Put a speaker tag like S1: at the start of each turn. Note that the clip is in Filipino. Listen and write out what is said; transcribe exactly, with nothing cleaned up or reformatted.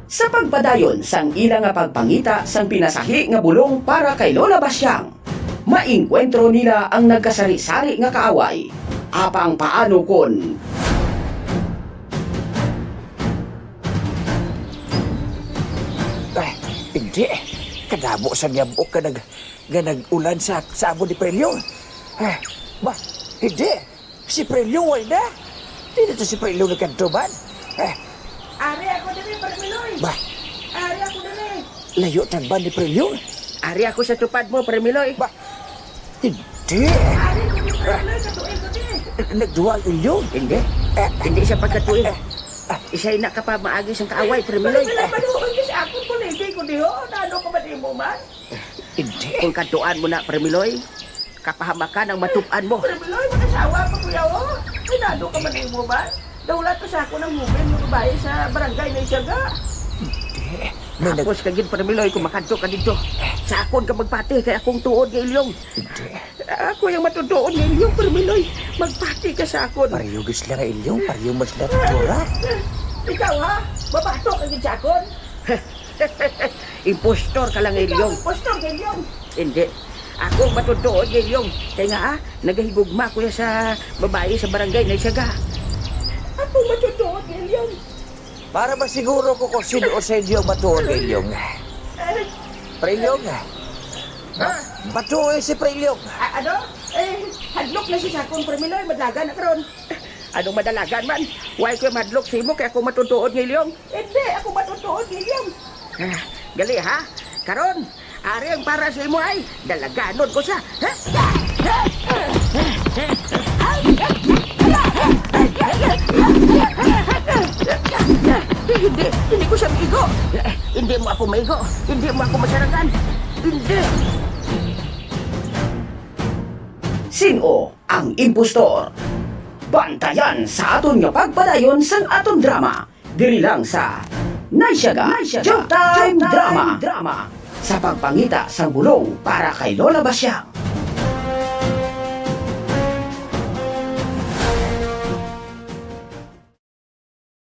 S1: sa pagpadayon sang ila nga pagpangita sang pinasahi nga bulong para kay Lola Basyang. Maingkwentro nila ang nagkasari-sari nga kaaway. Apang paano kon
S2: Ay, hindi. Kadamo sa niyambok ka nag, nga nag-ulan sa sabo ni Prelyo. Eh, ba, hindi. Si Prelyo wala na. Hindi na to si Prelyo nagkantuban. Eh,
S3: Ari ako dali, Parmiloy.
S2: ba,
S3: Ari ako dali.
S2: layo tagban ni Prelyo.
S3: Ari ako sa tupad mo, Parmiloy.
S2: Ba, hindi.
S3: Ari ko ni Parmiloy, katuin ko din.
S2: Nagduwa ang ilyo.
S3: Hindi.
S2: Eh,
S3: Hindi siya pagkatuin.
S2: eh,
S3: Isa'y na ka pa maagi siyang kaaway, Parmiloy.
S4: Parmiloy, maluoy ka sa akong kuligi ko diho. Nano ka ba di mo man?
S2: hindi.
S3: Kung katuan mo na, Parmiloy, kapahamakan ang matupan mo.
S4: Parmiloy, makasawa pa kuya o. Ay, nano ka ba di mo man? Dawlat pa sa ako ng mubin mo babae sa barangay na Isyaga.
S2: Hindi. May nag...
S3: Tapos kagin, Parmiloy, kung makanto ka dito. Sa akon ka magpati, kaya akong tuod ng ilyong.
S2: Hindi.
S3: Ako yung matutuon ng ilyong, Parmiloy. Magpati ka sa akon.
S2: Pariyo gis lang ang ilyo. Pariyo mas lang tura.
S4: Ikaw ha? Babato ka gid sa akon?
S3: Impostor ka lang,
S4: Ikaw,
S3: ilyong.
S4: impostor ganyan.
S3: Hindi. Ako matutuon ng ilyong. Kaya nga, ah, nagahigugma ko ya sa babae sa barangay na Isyaga.
S4: Ako matutuot ganyan.
S2: Para ba siguro ko kung sino sa inyo matuon ng ilyong.
S4: Eh,
S2: Prelyong.
S4: ha?
S2: Matuon si Prelyong.
S4: A- ano? Eh, hadlok na si Sakon Parmiloy, madlaga na karon.
S3: Anong madalagan man? Why ko madlok sa imo kaya ako matutuon ng ilyong?
S4: Hindi, ako matutuot ganyan.
S3: Ah, gali ha? Karon, ari ang para sa imo ay dalaganon ko siya. Ha? Hindi, hindi ko siya maigo. Hindi mo ako maigo. Hindi mo ako masarangan. Hindi.
S1: sino ang impostor? Bantayan sa aton nga pagpadayon sang aton drama. Diri lang sa Naisyaga Showtime Drama. Drama sa pagpangita sang bulong para kay Lola Basyang.